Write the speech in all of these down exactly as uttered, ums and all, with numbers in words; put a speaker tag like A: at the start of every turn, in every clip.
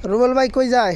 A: রুবেল ভাই কই যায়?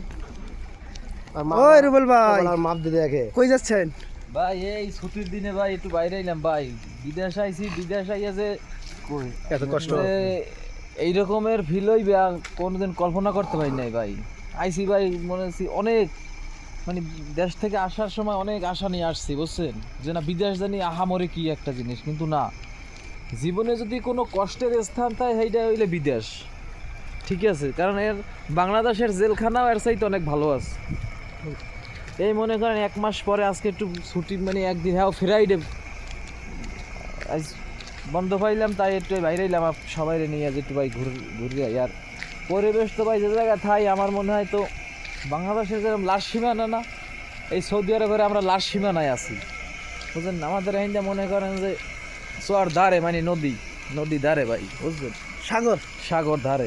A: ওই রুবেল ভাই
B: মাপ দিতে দেখে
A: কই যাচ্ছেন?
C: ভাই এই ছুটির দিনে ভাই একটু বাইরে এলাম ভাই, বিদেশ আইছি। বিদেশ আইয়া যে
B: এত কষ্ট
C: এই রকমের ফিল হইবে কোনোদিন কল্পনা করতে পারি নাই ভাই। আইসি ভাই মনে হচ্ছে অনেক, মানে দেশ থেকে আসার সময় অনেক আশা নিয়ে আসছি, বুঝছেন, যে না বিদেশ জানি আহামরি কি একটা জিনিস, কিন্তু না, জীবনে যদি কোনো কষ্টের স্থান থাকে সেইটা হইলে বিদেশ। ঠিক আছে, কারণ এর বাংলাদেশের জেলখানাও এর চাইতে অনেক ভালো আছে। এই মনে করেন এক মাস পরে আজকে একটু ছুটি, মানে একদিন হ্যাঁ ফ্রাইডে আজ বন্ধ পাইলাম, তাই একটু বাইরে এলাম সবাই নিয়ে যে একটু ভাই ঘুর ঘুরে আর পরিবেশ তো ভাই যে জায়গায় থাই আমার মনে হয় তো বাংলাদেশের যেরকম লাশ সীমানা না, এই সৌদি আরবের আমরা লাশ সীমানায় আছি, বুঝলেন। আমাদের হিন্দে মনে করেন যে চর ধারে, মানে নদী নদী ধারে ভাই, বুঝলেন,
A: সাগর
C: সাগর ধারে।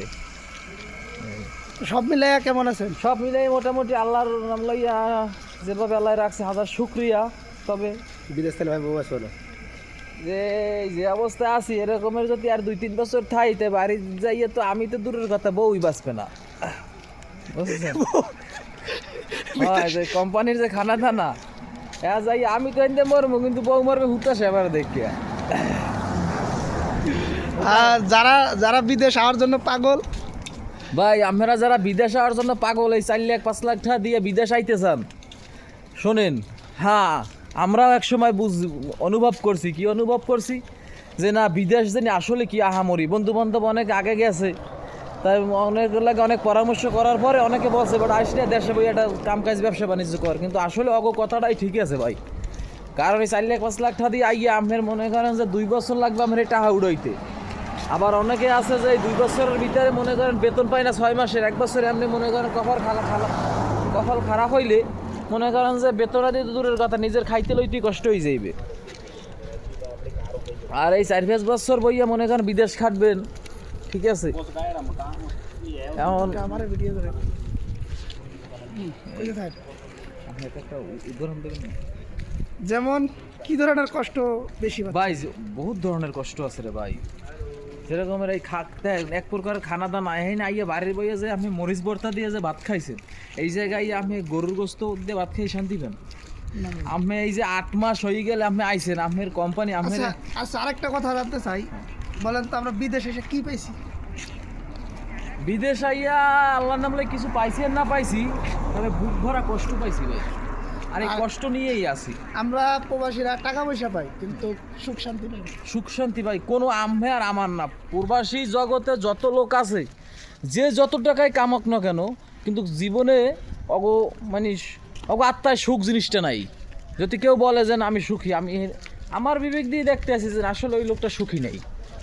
A: সব মিলাইয়া কেমন আছেন?
C: সব মিলাই মোটামুটি আল্লাহর নাম লইয়া যেভাবে আল্লাহ রাখছে হাজার শুক্রিয়া। তবে
B: বিদেশ থেকে ভাই বউ আসো না
C: যে যে অবস্থায় আছি এরকমের যদি আর দুই তিন বছর থাইতে বাড়ি যাইয়ে তো আমি তো দূরের কথা বউই বাঁচবে না, বুঝছেন। হয় যে কোম্পানির যে খানা দানা হ্যাঁ যাই আমি তো এনে মরবো, কিন্তু বউ মরবে হুতাশে এবার দেখিয়া।
A: আর যারা যারা বিদেশ আওয়ার জন্য পাগল,
C: ভাই আপনারা যারা বিদেশ আওয়ার জন্য পাগল, এই চার লাখ পাঁচ লাখ টাকা দিয়ে বিদেশ আইতে চান, শোনেন, হ্যাঁ আমরাও এক সময় বুঝ অনুভব করছি, কি অনুভব করছি যে না বিদেশ জানি আসলে কি আহামরি। বন্ধু বান্ধব অনেক আগে গেছে, তাই অনেক লাগে অনেক পরামর্শ করার পরে অনেকে বলছে বাট আসলে দেশে বই একটা কাম কাজ ব্যবসা বাণিজ্য কর, কিন্তু আসলে অগ কথাটাই ঠিক আছে ভাই। কারণ এই চার লাখ পাঁচ লাখ টাকা দিয়ে আইয়া আপনার মনে করেন যে দুই বছর লাগবে আমার এই টাকা উড়াইতে। আবার অনেকে আছে যে দুই বছরের ভিতরে মনে করেন বেতন পায় না, ছয় মাসের এক বছরে এমনি মনে করেন কপাল খালা খালা কপাল খারাপ হইলে মনে করেন যে বেতনা দিয়ে দূরের কথা নিজের খাইতে লইতেই কষ্ট হয়ে যাইবে। আর এই চার পাঁচ বছর বইয়া মনে করেন বিদেশ খাটবেন, ঠিক আছে। এমন
A: আমার ভিডিও করে
C: একটা উদাহরণ দেবেন না?
A: যেমন কি ধরনের কষ্ট বেশি পাচ্ছেন?
C: ভাই বহুত ধরনের কষ্ট আছে রে ভাই। যেরকমের এই খাতে এক প্রকার খানা দানা আইন আইয়া বাড়ির বইয়া যে আপনি মরিচ ভর্তা দিয়ে যে ভাত খাইছেন, এই জায়গায় আপনি গরুর গোস্ত দিয়ে ভাত খাই শান্তি পান। আপনি এই যে আট মাস হয়ে গেলে আপনি আইছেন, আপনার কোম্পানি আপনার
A: আচ্ছা আচ্ছা আরেকটা কথা জানতে চাই, বলেন তো আমরা বিদেশে এসে কি পাইছি?
C: বিদেশ আইয়া আল্লাহর নামলে কিছু পাইছি আর না পাইছি, তবে বুক ভরা কষ্ট পাইছি ভাই। আর এই কষ্ট নিয়েই আছি
A: আমরা প্রবাসীরা, টাকা পয়সা পাই কিন্তু সুখ শান্তি পাই না।
C: সুখ শান্তি ভাই কোনো আমে আর আমার না। প্রবাসী জগতে যত লোক আছে, যে যত টাকায় কামাক না কেন, কিন্তু জীবনে অগ মানে অগ আত্মায় সুখ জিনিসটা নাই। যদি কেউ বলে যে না আমি সুখী, আমি আমার বিবেক দিয়ে দেখতে আছি যে আসলে ওই লোকটা সুখী নেই।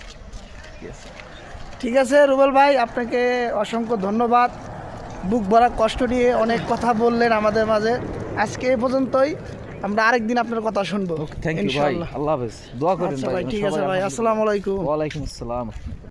A: ঠিক আছে রুবেল ভাই, আপনাকে অসংখ্য ধন্যবাদ। বুক ভরা কষ্ট নিয়ে অনেক কথা বললেন আমাদের মাঝে। আজকে এ পর্যন্তই, আমরা আরেকদিন আপনার কথা শুনবো।
C: থ্যাংক ইউ ভাই,
A: ইনশাআল্লাহ।
C: আল্লাহ হাফেজ, দোয়া করেন
A: আচ্ছা
C: ভাই।
A: ভাই, ঠিক আছে ভাই, আসসালামু আলাইকুম।
C: ওয়ালাইকুম আসসালাম।